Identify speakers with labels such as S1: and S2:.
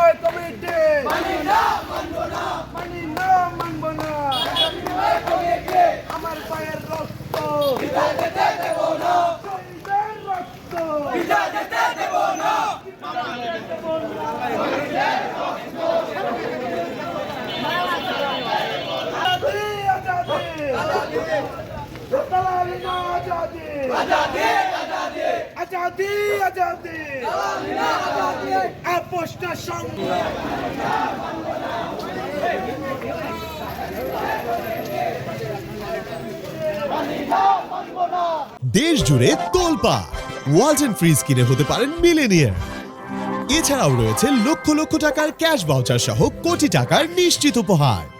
S1: বিনিময় কমিটি
S2: মানি না মানব না
S1: মানি না মানব না আমার পায়ের রক্ত
S2: বিদায় দিতে দেব না
S1: শহীদের রক্ত
S2: বিদায় দিতে দেব না
S1: আজাদি আজাদি দালালি না আজাদি
S2: আজাদি আজাদি
S1: আজাদি আজাদি
S2: দালালি না আজাদি
S1: আপোষটা সঙ্গে
S2: মানি না মানব না
S3: দেশ জুড়ে তোলপা ওয়ালটন ফ্রিজ কিনে হতে পারেন মিলেনিয়ার। এছাড়াও রয়েছে লক্ষ লক্ষ টাকার ক্যাশ ভাউচার সহ কোটি টাকার নিশ্চিত উপহার।